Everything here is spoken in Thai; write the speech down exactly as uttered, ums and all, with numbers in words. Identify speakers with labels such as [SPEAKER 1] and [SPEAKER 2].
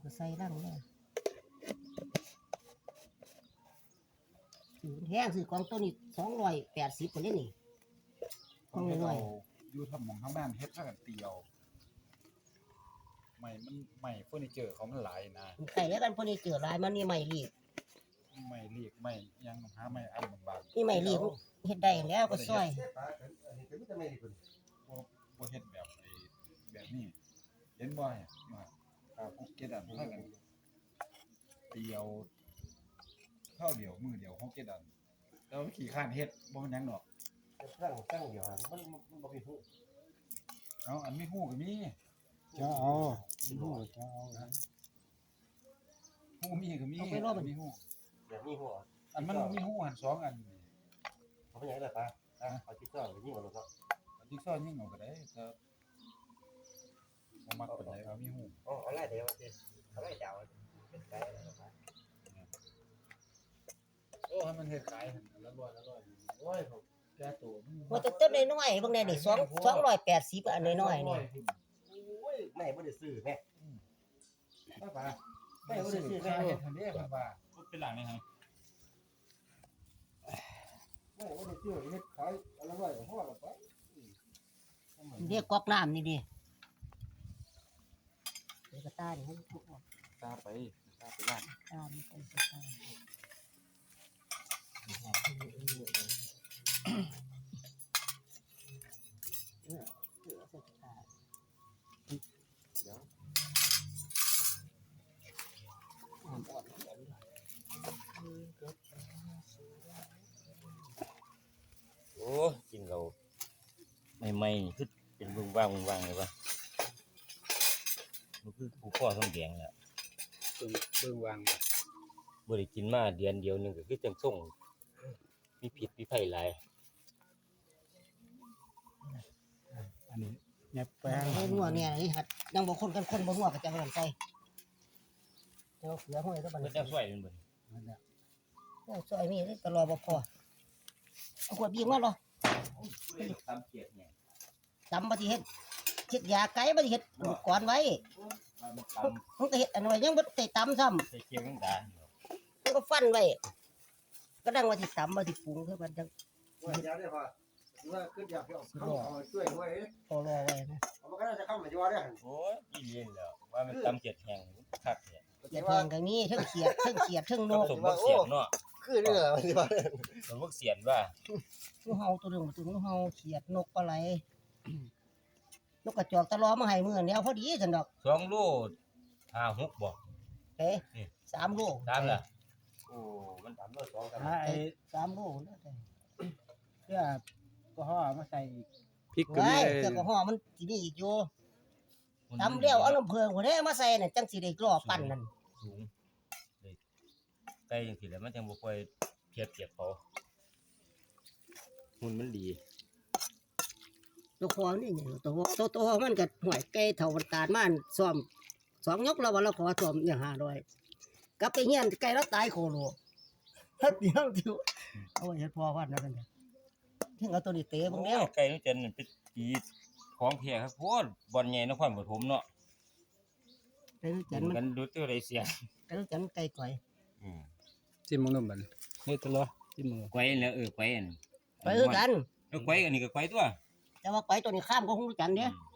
[SPEAKER 1] ก็ใส่ร่างเลยถือแห้งซื้อกองตัวนี้สองร้อยแปดสิบคนนี้นี่กองน้อย
[SPEAKER 2] อยู่ทำหมองทางบ้านเฮ็ดถ้ากันเตียวใหม่มันใหม่เฟอร์นิเจอร์เขามันหลายนะ
[SPEAKER 1] ใส่แล้วกันพวกนี้เจอลายมันนี่ใหม่รีบ
[SPEAKER 2] ใหม่เรียกใหม่ยังหาใหม่อันบางๆ
[SPEAKER 1] นี่ใหม่รีบเฮ็ดได้แล้วก็ซอย
[SPEAKER 2] บ่บ่เฮ็ดแบบไอ้แบบนี้เห็นบ่เนี่ยมาอ่ากุ๊กเก็ตอันถ้ากันเตียวข้าวเดียวมือเดียวเฮาเก็ตอันแล้วขี้ข้านเฮ็ดบ่มันหยังดอก
[SPEAKER 3] ตั้งตั้งเดียวมันมันบ่มีฮู้
[SPEAKER 2] เอาอันมีฮู้ก็มี
[SPEAKER 3] จะเอาฮู้จะเอา
[SPEAKER 2] ฮู้มีก็มีมีฮู้
[SPEAKER 3] แบบมีฮู้
[SPEAKER 2] อันมันมีฮู้อันสองอัน
[SPEAKER 3] เอาไปยังไงล่ะป้าอ่ะเอาจิ๊กซอว์ยิงเอาเนาะ
[SPEAKER 2] เอาจิ๊กซอว์ยิงเอาก็ได้แต่บ่มักปานใดเอามีฮู้
[SPEAKER 3] อ๋ออะไรเดี๋ยวสิอะไรดาวเป็นไกอะไรป้า
[SPEAKER 2] โอ้ให้มันเฮ็ดขายหั่นละร้อยละร้อยโอ้ยผมแก่ตัว
[SPEAKER 1] ว่าแต่ต้นน้อยๆบางแน่นี่สอง สองร้อยแปดสิบอันน้อยๆนี่
[SPEAKER 3] โอ้ยแม่บ่ได้ซื้อแม่ป้าป้าแม่บ่ได้ซื้อแม่
[SPEAKER 2] เฮ็ดทันเด้เพิ่นว่าเป็นหลังนี่ครับ
[SPEAKER 3] แม่บ่ได้ซื้อเฮ็ดขายอันละร้อยก็พอแล้วป้า
[SPEAKER 1] เรียกก๊อกน้ำนี่ดิเดี๋ยวก็ตาดิให้ทุกคน
[SPEAKER 2] ตาไปตาไปบ้าน
[SPEAKER 1] ตาไม่ไปตา
[SPEAKER 4] โอ้กินเราใหม่ๆคือเป็นบึ้งว่างบึ้งว่างเลยป่ะมันคือผู้พ่อต้องแดงแล้ว
[SPEAKER 2] บึ้งบึ้งวาง
[SPEAKER 4] บ่ได้กินมาเดือนเดียวนึงก็คือจังส่งมีผิดมีไผหลาย
[SPEAKER 2] อันนี้แยบแป้ง
[SPEAKER 1] เฮ้ยงัวเนี่ยนี่หัดยังบ่คนกันคนบ่งัวก็จะบ่ใส่เจ้าเสือห้อยก็บัด
[SPEAKER 4] เพิ่
[SPEAKER 1] นี้
[SPEAKER 4] นจะช่วยมันบ่
[SPEAKER 2] นั่นแหละ
[SPEAKER 1] โอ้ซอยนี่ตลอดบ่พอเอาขวดบีบมาเหรอ
[SPEAKER 4] ตำเกียดเนี่ย
[SPEAKER 1] ตำบ่สิเฮ็ดเฮ็ดยาไก่บ่สิเฮ็ดก่อนไว้มันก็เฮ็ดอันไว้ยังบ่ได้ตำซ้ำ
[SPEAKER 4] ใส่เกี๊ยวจังดา
[SPEAKER 1] มันก็ฟันไว้ก็ดังว่าสิตำบ่สิปรุงคือมันจัง
[SPEAKER 3] ว่าอยากได้พอว่าคืออยากเอาเข้าเอาช่วยไว้
[SPEAKER 1] พอรอไว้นะ
[SPEAKER 3] เอามันก็น่าจะเข้ามาอยู่ว่าได้หั่น
[SPEAKER 4] โอ้ยอีเลียนแล้วว่ามันตำเกียดแห้งคักแท้
[SPEAKER 1] อย่าแพงก็มีเทั้งเขียดเทั้งเขียดเทั้งนก
[SPEAKER 4] สมบักเสียนเนาะ
[SPEAKER 3] คือเด้อมันสิว่า
[SPEAKER 4] สมบักเสียนว่า
[SPEAKER 1] งูเห่าตัวนึงตัวงูเห่าเขียดนกปลาไหลนกกระจอกตะลอมาให้มื้อแนวพอดีซั่นดอก
[SPEAKER 4] สองโลห้า หกบ่
[SPEAKER 1] เอ๊ะสามโล
[SPEAKER 4] สามล่ะโอ้มันสามโลสองครับ
[SPEAKER 1] ไอ้สามโลแล้วแต่
[SPEAKER 3] เพื่อก็ห่อมาใส่
[SPEAKER 2] พริกก็มี
[SPEAKER 1] เสื้อก็ห่อมันสิมีอีกอยู่ตำแล้วเอาน้ำเพิงพุ่นเด้มาใส่น่ะจังสิได้กรอปั้นนั่น
[SPEAKER 4] สูงเลยไก่จังซี่แหละมันจังบ่ค่อยเพียบเทียบเขาหุ่นมันดี
[SPEAKER 1] ตัวคอนี่ไงตัวตัวตัวมันก็ห่วยไก่เท่าตาลมันซ่อมสองยกแล้วว่าเราขอซ่อมอย่างห้าร้อยกลับไปเฮียนไก่แล้วตายโคโลเฮ็ดเดียวอยู่เอาเฮ็ดพอพันนะกันถึงเอาตัวนี้เตะบ่แล้ว
[SPEAKER 4] ไก่นี่จันเป็นปีของแท้ครับโพดบ่อนใหญ่นครปฐมเนาะ
[SPEAKER 1] ไก่จัน
[SPEAKER 4] มันดูตัวได้เสีย
[SPEAKER 1] ไก่จันไก่ก่อย
[SPEAKER 4] อืม
[SPEAKER 2] จิ้มมึงนำบัดเฮ็ดตลอจิ้มมึง
[SPEAKER 4] ไก่แล้วเออไก่อัน
[SPEAKER 1] ไปคือกัน
[SPEAKER 4] เออไก่อันนี้ก็ไก่ตัว
[SPEAKER 1] แต่ว่าไก่ตัวนี้ข้ามก็คงจันเด้